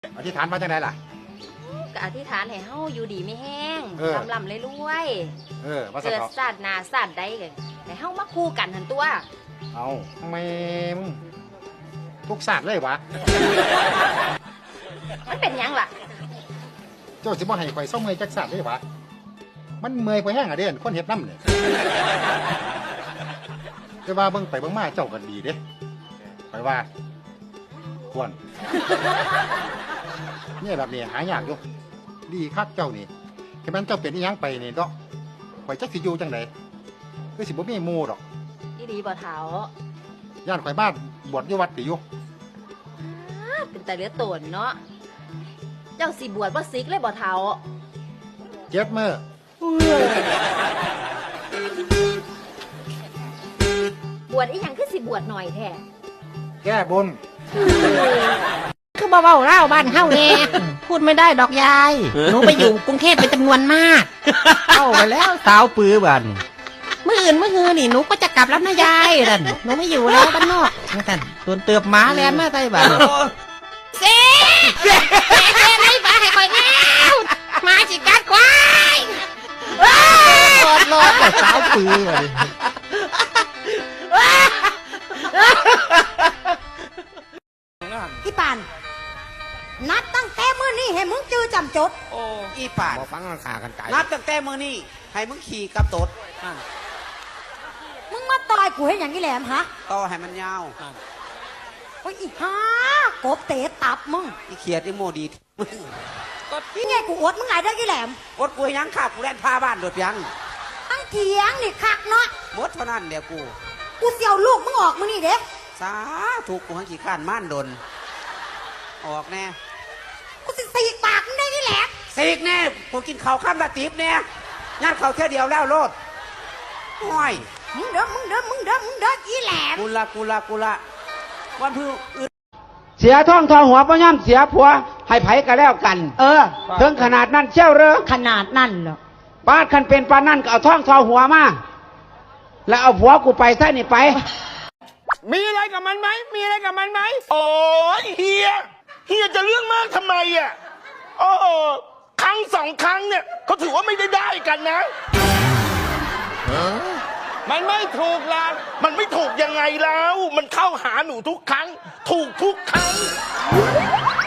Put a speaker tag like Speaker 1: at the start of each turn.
Speaker 1: อธิษฐานมาจังไดล่ะ
Speaker 2: ก็อธิษฐานให้เฮาอยู่ดีไม่แห้งลำเลยรวย
Speaker 1: ว่า
Speaker 2: เกิดศาสตร์หนาศาสตร์ใดกันให้เฮามาคู่กันหันตัว
Speaker 1: เอาแม่มึงทุกศาสตร์เลยวะ
Speaker 2: มันเป็นยังล่ะ
Speaker 1: เจ้าสิบ่ให้ข่อยเศร้าเมื่อยจักศาสตร์เลยวะมันเมื่อยกว่าแห้งอะเด่นคนเฮ็ดน้ำเนี่ยแต่ว่าเบิ่งไปเบิ่งมาเจ้ากันดีเด้ไปว่าควรเนี่ยแบบนี้หายากอยู่ดีคักเจ้านี่แค่มันเจ้าเป็นอีหยังไปนี่ก็ข่อยจักสิอยู่จังไดคือสิบ่มีหมู่ดอก
Speaker 2: อีดีบ่เฒ่า
Speaker 1: ย่านข่อยบ้านบวชอยู่วัดติอยู่
Speaker 2: เป็นแต่เหลือตนเนาะเจ้าสิบวชบ่ซิกเลยบ่เฒ่า
Speaker 1: 7 มื้
Speaker 2: อบวชอีหยังคือสิบวชหน่อยแท้
Speaker 1: แก้บน
Speaker 3: คือเบาๆเล่าบ้านเฮาแน่พูดไม่ได้ดอกยายหนูไปอยู่กรุงเทพเป็นจำนวนมากเข้าไปแล้วสาวปื้อบ้านมื้ออื่นมื้อฮือนี่หนูก็จะกลับแล้วนะยายนั่นหนูไม่อยู่แล้วบ้านนอกนั่นส่วนเติบหมาแลนมาใส่บ้านเซ่ไอ้บ้าให้คอยแนวมาสิกัดควายรอดแต่สาวปื้อเลย
Speaker 4: อีปานนัดตั้งแต่มื้อนี้ให้มึงจื้อจำจด
Speaker 5: โอ้อีปาน
Speaker 1: บ่ฟังกันขากันไกล
Speaker 5: นับตั้งแต่มื้อนี้ให้มึงขี่กับตด
Speaker 4: มึงมาต่อยกูให้อย่างนี้แหลมฮะ
Speaker 5: ต่อให้มันยาว
Speaker 4: โอ้ยอีห่ากบเตะตับมึง
Speaker 5: อีเขียดอีโมดีมึง
Speaker 4: ก็นี่ไงกูอดมึงไงได้กี่แหลม
Speaker 5: อดกูยังขากูแล่นพาบ้านโดดยัง
Speaker 4: ตั้งเถียงนี่คักเนาะ
Speaker 5: หมดเท่านั้นเดี๋ยว
Speaker 4: กูเสี่ยวลูกมึงออกมึงนี่เด้
Speaker 5: สาถูกกูหังขี้ข้านม่านดนออกแน่
Speaker 4: กูสิสีกปากมึงได้กี่แหลม
Speaker 5: สีกแน่กูกินข้าวข้ามตาตีบแน่งานข้าวแค่เดียวแล้วโลดห้อย
Speaker 4: มึงเด้ออีแหลม
Speaker 5: กูละวันพื้นเสียท่องทองหัวป้าย่ำเสียผัวให้ไผกันแล้วกันถึงขนาดนั้นเชี่ยวเรอ
Speaker 4: ขนาดนั้นเหรอ
Speaker 5: ป้าคันเป็นปานั่นก็เอาท่องทองหัวมาแล้วเอาผัวกูไปซะนี่ไป
Speaker 6: มีอะไรกับมันไหมโอ้ยเฮียจะเรื่องมากทำไมอ่ะโอ้ครั้ง2 ครั้งเนี่ยเขาถือว่าไม่ได้กันนะมันไม่ถูกล่ะมันไม่ถูกยังไงแล้วมันเข้าหาหนูทุกครั้งถูกทุกครั้ง